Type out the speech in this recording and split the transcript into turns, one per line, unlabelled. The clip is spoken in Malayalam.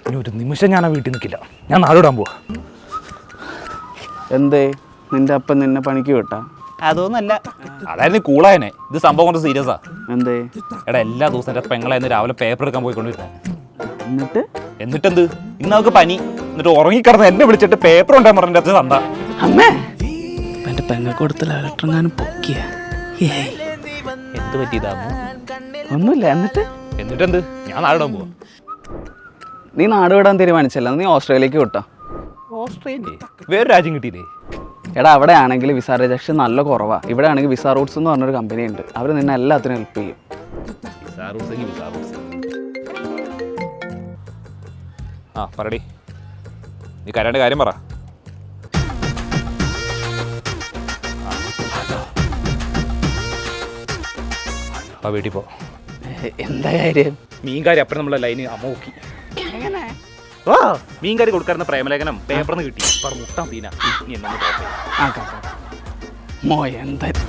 ഇനി ഒരു നിമിഷം ഞാൻ ആ വീട്ടിൽ നിൽക്കില്ല. ഞാൻ നാടോടാൻ പോവാ.
എന്തേ നിന്റെ അപ്പൻ നിന്നെ പണിക്ക് വിട്ടാ?
അതൊന്നല്ല, അതായിരുന്നു കൂളായനെ. ഇത് സംഭവം കൊണ്ട് സീരിയസാ.
എന്തേ?
എടാ എല്ലാ ദിവസവും എൻ്റെ പെങ്ങളായിരുന്നു രാവിലെ പേപ്പർ എടുക്കാൻ പോയിക്കൊണ്ടിരുന്നത്.
എന്നിട്ടെന്ത്?
ഇന്ന് അവൾക്ക് പനി. എന്നിട്ട് ഉറങ്ങിക്കിടന്ന് എന്നെ വിളിച്ചിട്ട് പേപ്പർ ഉണ്ടാൻ പറഞ്ഞ തന്ത.
അമ്മേ എന്റെ പെങ്ങൾക്ക് കൊടുത്ത ലെറ്ററെങ്ങാനും പൊക്കിയ?
എന്ത് പറ്റിയതാന്നു?
ഒന്നുമില്ല.
എന്നിട്ടെന്ത്? ഞാൻ നാടോടാൻ പോവാ.
നീ നാട് വിടാൻ തീരുമാനിച്ചല്ല, നീ ഓസ്ട്രേലിയക്ക് വിട്ടോ.
ഓസ്ട്രേലിയ വേറെ രാജ്യം കിട്ടിയില്ലേ?
എടാ അവിടെ ആണെങ്കിൽ വിസ റിജക്ഷൻ നല്ല കുറവാണ്. ഇവിടെ ആണെങ്കിൽ വിസ റൂട്ട്സ് എന്ന് പറഞ്ഞൊരു കമ്പനി ഉണ്ട്. അവർ നിന്നെ എല്ലാത്തിനും ഹെൽപ്പ് ചെയ്യും.
ആ പറടി, നീ കരേണ്ട കാര്യം പറ. ആ വീട്ടിൽ പോ.
എന്താ കാര്യം?
മീൻകാരി അപ്പഴും നമ്മളെ ലൈന് അമ്മ നോക്കി. മീൻകാരി കൊടുക്കാറുന്ന പ്രേമലേഖനം പേപ്പറിന് കിട്ടി. മുട്ടാൻ തീന. നീ എന്നൊന്ന്
മോ എന്താ